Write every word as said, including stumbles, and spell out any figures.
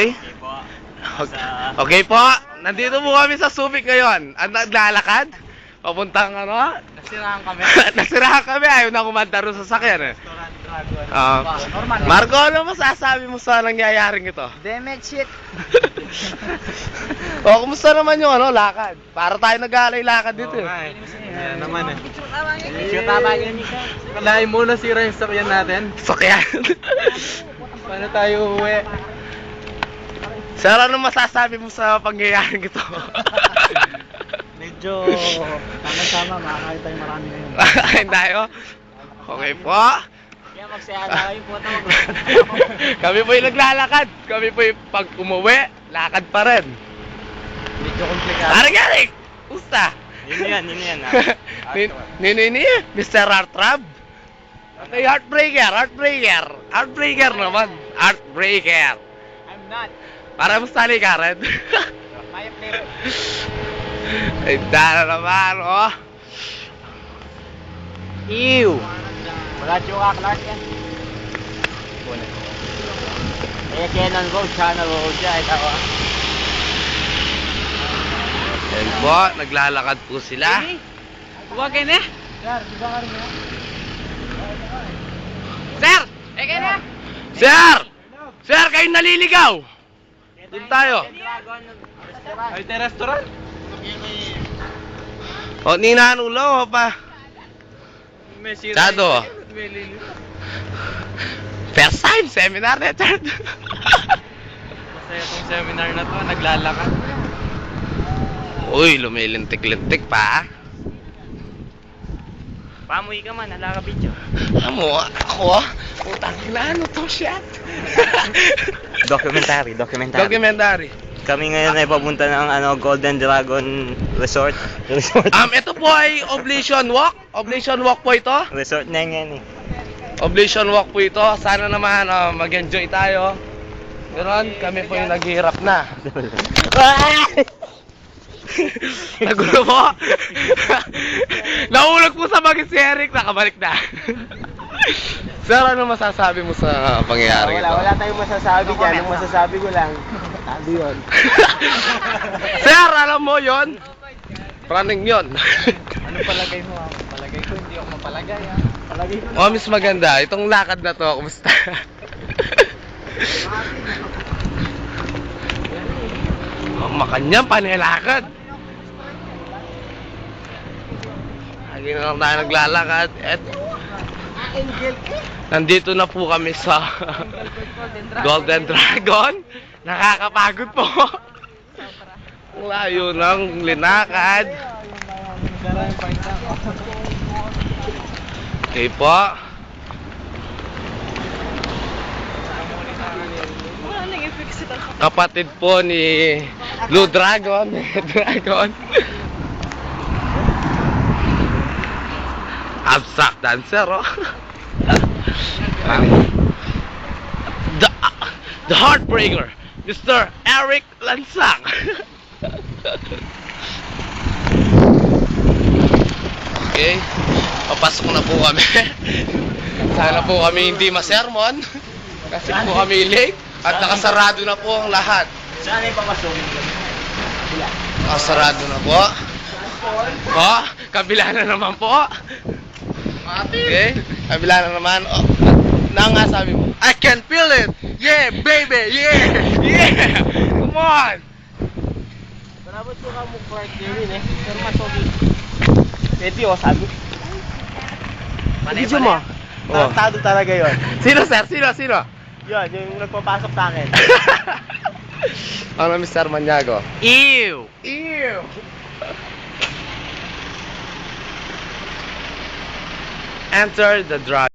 Okay? Okay po, nandito po kami sa Subic ngayon. Ang naglalakad, papuntang ano? Nasirahan kami. Nasirahan kami, ayaw na kumanda rin sa sakyan eh. Restaurant Dragon. Ah, Normal. Marco, ano masasabi mo sa nangyayaring ito? Damage shit. O, kumusta naman yung ano, lakad? Para tayo nag-aalay lakad dito eh. Yan naman eh. Picture tama yun. Kalahin muna sira yung sakyan natin. Sakyan. Paano tayo uwi? Sir, ano masasabi mo sa pangyayaring ito? Medyo tama-tama, makakain tayo marami ngayon. Kain tayo? Okay po. Kaya magsaya na kayo po ito. Kami po yung naglalakad. Kami po yung pag umuwi, lakad pa rin. Medyo komplikado. Parang Eric! Pusta? Yun yan, yun yan. Nini, Mister Heartthrob? Okay, Heartbreaker, Heartbreaker. Heartbreaker naman. Heartbreaker. I'm not. Para mo sa Karen. Maya flavor. Ay, dala naman, oh. Ew! Wala yung kaklark yan. Kaya Canon Road, Channel Road siya, ito ah. Ayan po, naglalakad po sila. Huwag na. Sir, di ba ka rin yan? Sir! Eka na! Sir! Sir, kayo naliligaw! Doon tayo. Ay, ito restaurant? O, ninanulo pa. May sira. Dado. First time, seminar na ito. Masaya itong seminar na to, naglalakad. Uy, lumilintik-lintik pa. Pamuhi ka man, hala ka video. Alam mo, ako, putang ina, ano to shit? Documentary, documentary. Documentary. Kami ngayon ay papunta ng ano, Golden Dragon Resort. Resort. Um, ito po ay Oblation Walk. Oblation Walk po ito. Resort na yan eh. Oblation Walk po ito. Sana naman uh, mag-enjoy tayo. Ganon, kami po yung naghihirap na. Nagulo po. Nahulog po sa bagay si Eric. Nakabalik na. Sir, ano masasabi mo sa pangyayari ito? Wala, wala tayong masasabi dyan. Ang masasabi ko lang, tabi yun. Sir, alam mo yon? Running yon. Ano palagay mo? ah? Palagay ko, hindi ako mapalagay ah. Palagay ko. Oh, miss maganda. Itong lakad na to, kumusta? Oh, makanyang panilakad. Lagi na lang tayo naglalakad. Et, nandito na po kami sa Golden Dragon. Nakakapagod po. Ang layo ng linakad. Okay po. Kapatid po ni Blue Dragon. Dragon. Abstract dancer, oh. the, the Heartbreaker, Mister Eric Lansang. Okay, papasok na po kami. Sana po kami hindi masermon. Kasi po kami late at nakasarado na po ang lahat. Saan ay papasukin ko? Nakasarado na po. Oh, kabila na naman po. Okay, kabila na naman. Oh, na nga sabi mo, I can feel it. Yeah, baby. Yeah. Yeah. Come on. Marabot ko ka mo Clark Kevin eh. Pero masogi. Pwede o, sabi. Video mo. Oh. Tarantado talaga yun. Sino, sir? Sino? Sino? Yun, yung nagpapasok sa akin. Ano, Mister Maniago? Ew! Ew. Enter the drug.